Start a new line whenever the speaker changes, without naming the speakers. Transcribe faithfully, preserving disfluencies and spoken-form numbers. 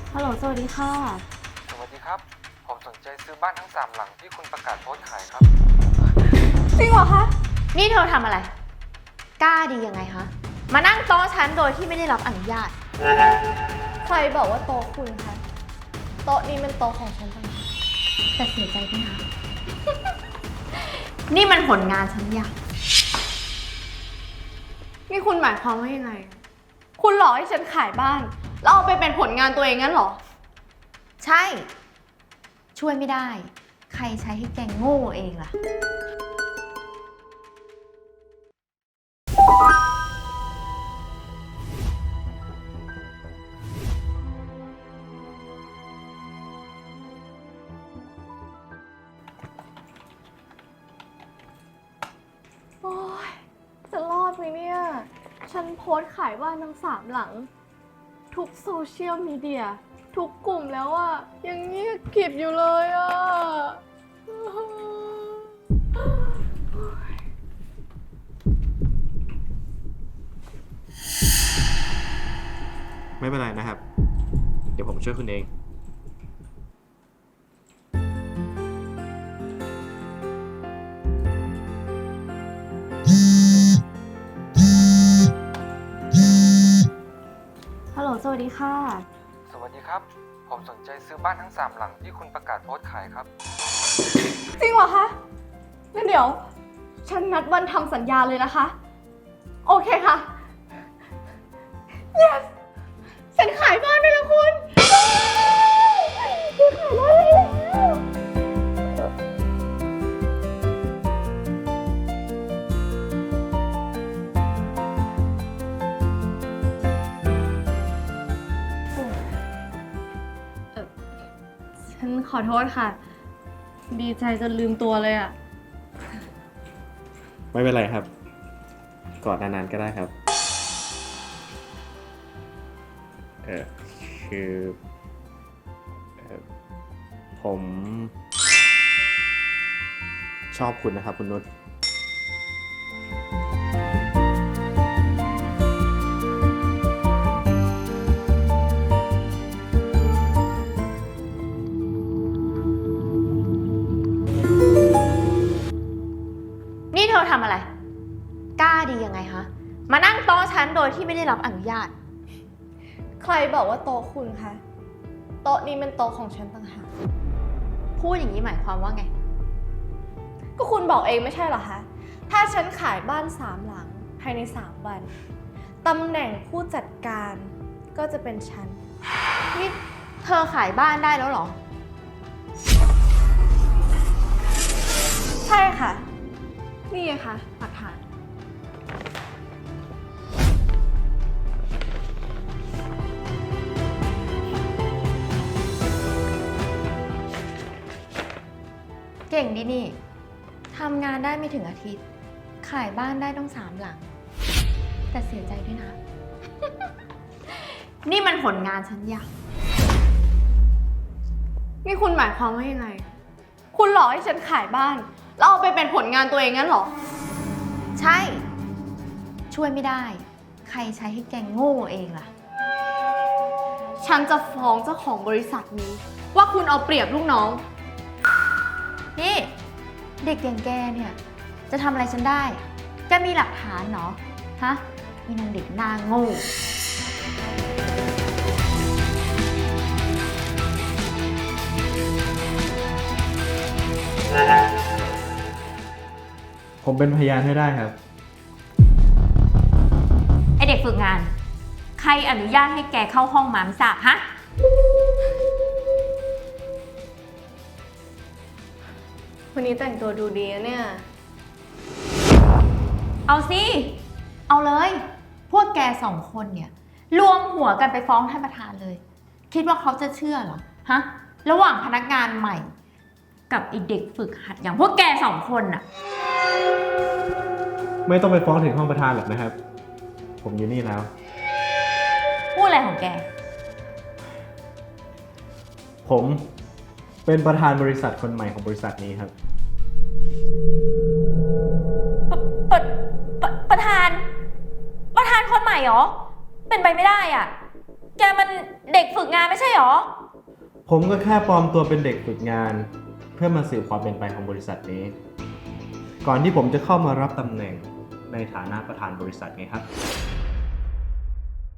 ฮัลโหลสวัสดีค่ะ
สวัสดีครับ ผมสนใจซื้อบ้านทั้งสามหลังที่คุณประกาศโพสต์ขายครับ
จริงเหรอคะ
นี่เธอทำอะไร กล้าดียังไงคะ มานั่งโต๊ะฉันโดยที่ไม่ได้รับอนุญาต
ใครบอกว่าโต๊ะคุณคะโต๊ะนี้เป็นโต๊ะของฉันต่างหาก
แต่เสียใจด้วยนะ นี่มันผลงานฉันอยาก
นี่คุณหมายความว่ายังไง คุณหลอกให้ฉันขายบ้านแล้วเอาไปเป็นผลงานตัวเองงั้นเหรอ
ใช่ ช่วยไม่ได้ ใครใช้ให้แกโง่เองล่ะ
โอ๊ย จะรอดไหมเนี่ย ฉันโพสต์ขายบ้านทั้งสามหลัง ทุกโซเชียลมีเดีย ทุกกลุ่มแล้วอะยังเงียบกริบอยู่เลยอะ
ไม่เป็นไรนะครับ เดี๋ยวผมช่วยคุณเอง
ฮัลโหลสวัสดีค่ะ
สวัสดีครับ ผมสนใจซื้อบ้านทั้งสามหลังที่คุณประกาศโพสต์ขายครับ
จริงเหรอคะงั้นเดี๋ยว ฉันนัดวันทำสัญญาเลยนะคะ โอเคค่ะ yes ฉันขายบ้านไปแล้วคุณฉันขายบ้านไปแล้วเอ่อฉันขอโทษค่ะ ดีใจจนลืมตัวเลยอะ
ไม่เป็นไรครับ กอดนานๆก็ได้ครับ เออคือเออผม ชอบคุณนะครับคุณนุช
นี่เธอทำอะไร กล้าดียังไงคะ มานั่งโต๊ะฉันโดยที่ไม่ได้รับอนุญาต
ใครบอกว่าโต๊ะคุณคะ โต๊ะนี้เป็นโต๊ะของฉันต่างหาก
พูดอย่างนี้หมายความว่าไง
ก็คุณบอกเองไม่ใช่เหรอคะ ถ้าฉันขายบ้านสามหลังภายในสามวัน ตำแหน่งผู้จัดการก็จะเป็นฉัน
นี่เธอขายบ้านได้แล้วเหรอ
ใช่ค่ะ นี่ไงคะหลักฐาน
เก่งดีนี่ ทำงานได้ไม่ถึงอาทิตย์ ขายบ้านได้ต้องสามหลัง แต่เสียใจด้วยนะ นี่มันผลงานฉันอยาก
นี่คุณหมายความว่ายังไง คุณหลอกให้ฉันขายบ้านแล้วเอาไปเป็นผลงานตัวเองงั้นเหรอ
ใช่ ช่วยไม่ได้ ใครใช้ให้แกโง่เองล่ะ
ฉันจะฟ้องเจ้าของบริษัทนี้ ว่าคุณเอาเปรียบลูกน้อง
นี่ เด็กอย่างแกเนี่ย จะทำอะไรฉันได้ แกมีหลักฐานเหรอ ฮะมีนางเด็กหน้าโง่
ผมเป็นพยานให้ได้ครับ
ไอเด็กฝึกงาน ใครอนุญาตให้แกเข้าห้องมาไม่ทราบฮะ
วันนี้แต่งตัวดูดีนะเนี่ย
เอาสิ เอาเลย พวกแกสองคนเนี่ยรวมหัวกันไปฟ้องท่านประธานเลย คิดว่าเขาจะเชื่อเหรอ ฮะ ระหว่างพนักงานใหม่ กับไอเด็กฝึกหัดอย่างพวกแกสองคนน่ะ
ไม่ต้องไปฟ้องถึงห้องประธานหรอกนะครับ ผมอยู่นี่แล้ว
พูดอะไรของแก
ผมเป็นประธานบริษัทคนใหม่ของบริษัทนี้ครับ
ประประประธาน ประธานคนใหม่เหรอ เป็นไปไม่ได้อ่ะแกมันเด็กฝึกงานไม่ใช่หรอ
ผมก็แค่ปลอมตัวเป็นเด็กฝึกงาน เพื่อมาสืบความเป็นไปของบริษัทนี้ ก่อนที่ผมจะเข้ามารับตำแหน่งในฐานะประธานบริษัทไงครับ